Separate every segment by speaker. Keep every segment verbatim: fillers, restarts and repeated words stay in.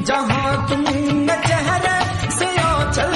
Speaker 1: जहाँ तुमने चेहरे से आंचल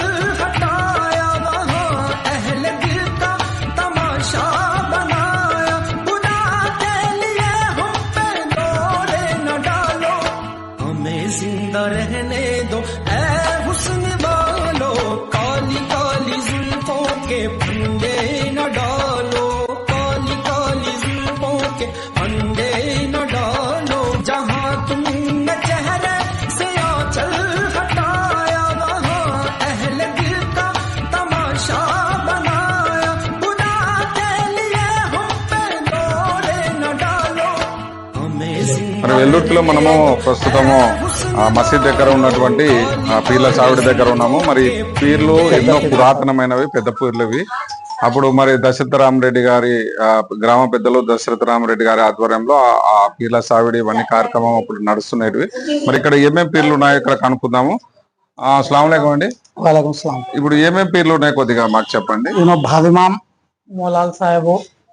Speaker 1: हटाया वहाँ अहले दिल का तमाशा बनाया। खुदा के लिए हम पे दौड़े न डालो, हमें जिंदा रहने दो ऐ हुस्न वालो। काली काली जुल्फों के फंदे न डालो, काली काली जुल्फों के फंदे न डालो। जहाँ तुमने चेहरे से आंचल हटाया वहाँ अहले दिल का तमाशा बनाया। खुदा के लिए हम पे दौड़े न डालो, हमें
Speaker 2: మరి వెల్లుర్తిలో మనము ప్రస్తుతము ఆ మసీద్ దగ్గర ఉన్నటువంటి ఆ పీర్ల సావిడి దగ్గర ఉన్నాము. మరి పీర్లు ఎన్నో పురాతనమైనవి, పెద్ద పీర్లు ఇవి. అప్పుడు మరి దశరథ రామరెడ్డి గారి ఆ గ్రామ పెద్దలు దశరథ రామరెడ్డి గారి ఆధ్వర్యంలో ఆ పీర్ల సావిడి ఇవన్నీ కార్యక్రమం అప్పుడు నడుస్తున్నవి. మరి ఇక్కడ ఏమేమి పీర్లు ఉన్నాయో ఇక్కడ కనుక్కుందాము. అస్సలాము అలైకుం అండి.
Speaker 3: वालेकुम सलाम।
Speaker 2: ఇప్పుడు ఏమేమి పీర్లు ఉన్నాయి కొద్దిగా మాకు చెప్పండి.
Speaker 3: भाविमाम मोलाल साहेब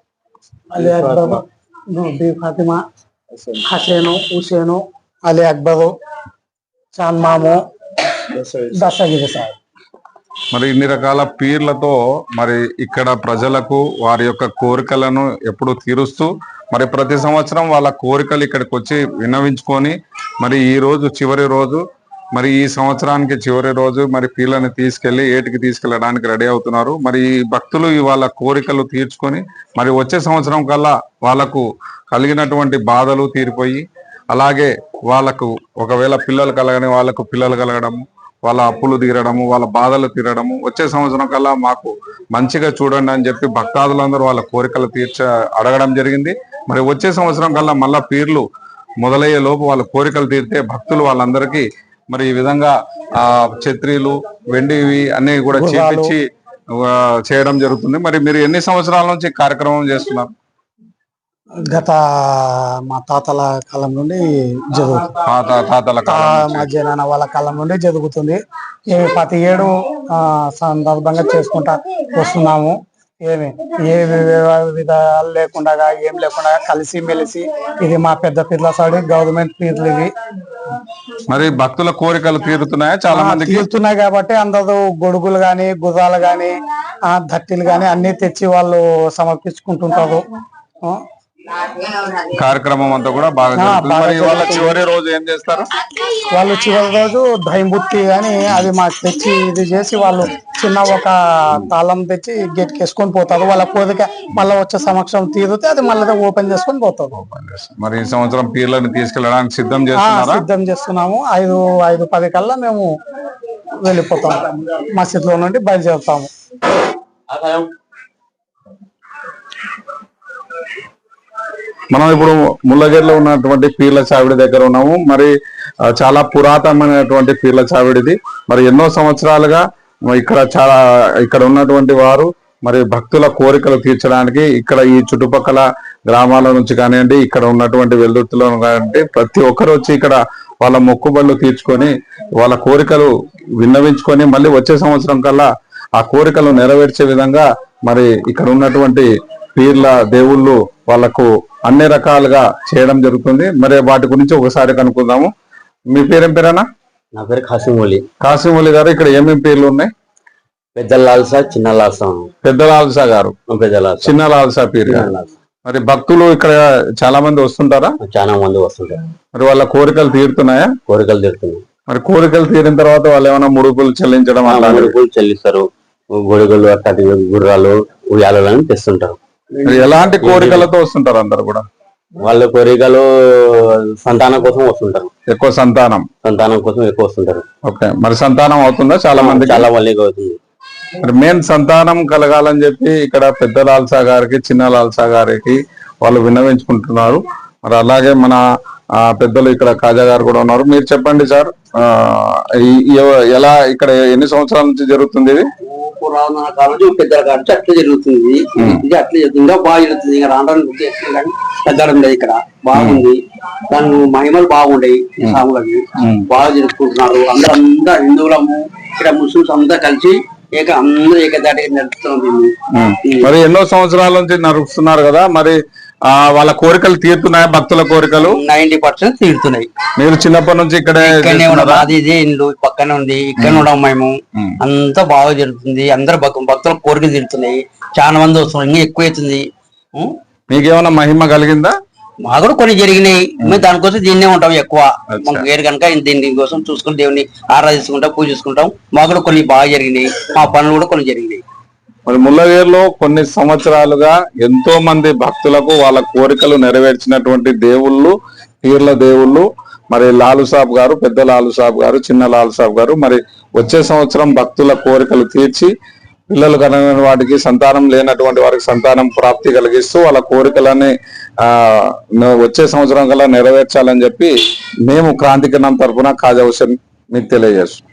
Speaker 3: अली अकबर बी फातिमा हसैनो हुसैनो अली अकबर चांद मामो दशगिरी साहब।
Speaker 2: మరి ఇన్ని రకాల పీర్లతో మరి ఇక్కడ ప్రజలకు వారి యొక్క కోరికలను ఎప్పుడు తీరుస్తూ మరి ప్రతి సంవత్సరం వాళ్ళ కోరికలు ఇక్కడికి వచ్చి విన్నవించుకొని మరి ఈ రోజు చివరి రోజు, మరి ఈ సంవత్సరానికి చివరి రోజు మరి పీర్లని తీసుకెళ్లి ఏటికి తీసుకెళ్లడానికి రెడీ అవుతున్నారు. మరి ఈ భక్తులు వాళ్ళ కోరికలు తీర్చుకొని మరి వచ్చే సంవత్సరం కల్లా వాళ్ళకు కలిగినటువంటి బాధలు తీరిపోయి, అలాగే వాళ్ళకు ఒకవేళ పిల్లలు కలగని వాళ్ళకు పిల్లలు కలగడము, వాళ్ళ అప్పులు తీరడము, వాళ్ళ బాధలు తీరడము, వచ్చే సంవత్సరం కల్లా మాకు మంచిగా చూడండి అని చెప్పి భక్తాదులందరూ వాళ్ళ కోరికలు తీర్చ అడగడం జరిగింది. మరి వచ్చే సంవత్సరం కల్లా మళ్ళా పీర్లు మొదలయ్యే లోపు వాళ్ళ కోరికలు తీరితే భక్తులు వాళ్ళందరికీ మరి ఈ విధంగా ఆ ఛత్రీలు వెండివి అన్ని కూడా చేపించి చేయడం జరుగుతుంది. మరి మీరు ఎన్ని సంవత్సరాల నుంచి కార్యక్రమం చేస్తున్నారు?
Speaker 3: గత మా తాతల కాలం నుండి జరుగుతుంది,
Speaker 2: తాతల
Speaker 3: మా జనాన వాళ్ళ కాలం నుండి జరుగుతుంది. ఏమి ప్రతి ఏడు ఆ సందర్భంగా చేసుకుంటా వస్తున్నాము. ఏమి ఏ విధాలు లేకుండా ఏం లేకుండా కలిసి మెలిసి ఇది మా పెద్ద పీర్ల సాడి గవర్నమెంట్ పీర్లు ఇవి.
Speaker 2: మరి భక్తుల కోరికలు తీరుతున్నాయా? చాలా మంది
Speaker 3: తీరుతున్నాయి కాబట్టి అందరూ గొడుగులు గాని గుర్రాలు గాని ఆ దట్టిలు గాని అన్ని తెచ్చి వాళ్ళు సమర్పించుకుంటుంటారు.
Speaker 2: కార్యక్రమం అంతా కూడా బాగా చివరి రోజు ఏం చేస్తారు?
Speaker 3: వాళ్ళు చివరి రోజు దైంబుత్తి అని అది మాకు తెచ్చి ఇది చేసి వాళ్ళు చిన్న ఒక తాళం తెచ్చి గేట్ వేసుకొని పోతారు. వాళ్ళ కోరిక మళ్ళీ వచ్చే సమక్షం తీరితే అది మళ్ళీ ఓపెన్ చేసుకొని పోతారు.
Speaker 2: మరి ఈ సంవత్సరం పీర్లను తీసుకెళ్ళడానికి సిద్ధం చేస్తున్నారా?
Speaker 3: సిద్ధం చేస్తున్నాము. ఐదు ఐదు పది కల్లా మేము వెళ్ళిపోతాము, మసీద్ లో నుండి బయలుదేరుతాము.
Speaker 2: మనం ఇప్పుడు ముళ్ళగేరులో ఉన్నటువంటి పీర్ల చావిడి దగ్గర ఉన్నాము. మరి చాలా పురాతనమైనటువంటి పీర్ల చావిడిది. మరి ఎన్నో సంవత్సరాలుగా ఇక్కడ చాలా ఇక్కడ ఉన్నటువంటి వారు మరి భక్తుల కోరికలు తీర్చడానికి ఇక్కడ ఈ చుట్టుపక్కల గ్రామాల నుంచి కానివ్వండి, ఇక్కడ ఉన్నటువంటి వెల్దుర్తిలో కానివ్వండి, ప్రతి ఒక్కరు వచ్చి ఇక్కడ వాళ్ళ మొక్కుబళ్ళు తీర్చుకొని వాళ్ళ కోరికలు విన్నవించుకొని మళ్ళీ వచ్చే సంవత్సరం కల్లా ఆ కోరికలు నెరవేర్చే విధంగా మరి ఇక్కడ ఉన్నటువంటి పీర్ల దేవుళ్ళు వాళ్ళకు అన్ని రకాలుగా చేయడం జరుగుతుంది. మరి వాటి గురించి ఒకసారి కనుక్కుందాము. మీ పేరేం పేరేనా?
Speaker 4: నా పేరు కాసిమౌలి.
Speaker 2: కాసిమౌలి గారు, ఇక్కడ ఏమేమి పేర్లు ఉన్నాయి?
Speaker 4: పెద్ద లాల్సా, చిన్న లాల్సా.
Speaker 2: పెద్ద లాల్సా గారు,
Speaker 4: పెద్ద లాల్సా,
Speaker 2: చిన్న లాల్సా పీర్. మరి భక్తులు ఇక్కడ చాలా మంది వస్తుంటారా?
Speaker 4: చాలా మంది వస్తుంటారు.
Speaker 2: మరి వాళ్ళ కోరికలు తీరుతున్నాయా?
Speaker 4: కోరికలు తీరుతున్నాయి.
Speaker 2: మరి కోరికలు తీరిన తర్వాత వాళ్ళు ఏమైనా ముడుపులు చెల్లించడం?
Speaker 4: ముడుపులు చెల్లిస్తారు. గొడుగులు, అట్లాంటి గుర్రాలు, ఉయ్యాలని తెస్తుంటారు.
Speaker 2: ఎలాంటి కోరికలతో వస్తుంటారు అందరు కూడా?
Speaker 4: వాళ్ళ కోరికలు సంతానం కోసం వస్తుంటారు.
Speaker 2: ఎక్కువ సంతానం
Speaker 4: సంతానం కోసం ఎక్కువ వస్తుంటారు.
Speaker 2: ఓకే, మరి సంతానం అవుతుందా? చాలా మంది
Speaker 4: చాలా మందికి అవుతుంది.
Speaker 2: మరి మెయిన్ సంతానం కలగాలని చెప్పి ఇక్కడ పెద్ద లాల్సా గారికి, చిన్న లాల్సా గారికి వాళ్ళు విన్నవించుకుంటున్నారు. మరి అలాగే మన ఆ పెద్దలు ఇక్కడ కాజా గారు కూడా ఉన్నారు. మీరు చెప్పండి సార్, ఆ ఎలా ఇక్కడ ఎన్ని సంవత్సరాల నుంచి జరుగుతుంది ఇది?
Speaker 4: పురాణ కాలం నుంచి పెద్దల కాలం నుంచి అట్లా జరుగుతుంది. ఇది అట్లా ఇంకా బాగా జరుగుతుంది. ఇంకా రాను కానీ తగ్గడం లేదు. ఇక్కడ బాగుంది, దాని మహిమలు బాగుండయి. సాములకి బాగా జరుపుకుంటున్నారు. అందరూ అందరూ హిందువులము ఇక్కడ ముస్లింస్ అంతా కలిసి ఏక అందరూ ఏకదాటిగా నడుపుతున్నాం.
Speaker 2: మరి ఎన్నో సంవత్సరాల నుంచి నడుపుతున్నారు కదా, మరి ఆ వాళ్ళ కోరికలు తీరుతున్నాయా? భక్తుల కోరికలు
Speaker 4: నైన్టీ పర్సెంట్ తీరుతున్నాయి.
Speaker 2: మీరు చిన్నప్పటి నుంచి ఇక్కడే
Speaker 4: ఇక్కడనే ఉన్నాం, మాది ఇదే ఇల్లు పక్కనే ఉంది, ఇక్కడనే ఉన్నాం మేము. అంతా బాగా జరుగుతుంది, అందరు భక్తుల కోరికలు తీరుతున్నాయి. చాలా మంది వస్తున్నారు, ఇంకా ఎక్కువ అవుతుంది.
Speaker 2: మీకేమైనా మహిమ కలిగిందా?
Speaker 4: మాకు కూడా కొన్ని జరిగినాయి, మేము దానికోసం దీన్నే ఉంటాం ఎక్కువ. మాకు వేరు కనుక దీని కోసం చూసుకుని దేవుని ఆరాధించుకుంటాం, పూజించుకుంటాం. మాకు కూడా కొన్ని బాగా జరిగినాయి, మా పనులు కూడా కొన్ని జరిగినాయి.
Speaker 2: మరి ముల్లవేరులో కొన్ని సంవత్సరాలుగా ఎంతో మంది భక్తులకు వాళ్ళ కోరికలు నెరవేర్చినటువంటి దేవుళ్ళు, పీర్ల దేవుళ్ళు మరి లాలు సాబ్ గారు, పెద్ద లాలు సాబ్ గారు, చిన్న లాలు సాబ్ గారు మరి వచ్చే సంవత్సరం భక్తుల కోరికలు తీర్చి పిల్లలు కలిగిన వాటికి, సంతానం లేనటువంటి వారికి సంతానం ప్రాప్తి కలిగిస్తూ వాళ్ళ కోరికలని ఆ వచ్చే సంవత్సరం కల్లా నెరవేర్చాలని చెప్పి మేము క్రాంతికిరణం తరఫున ఖాజా హుసేన్ మీకు తెలియజేస్తాం.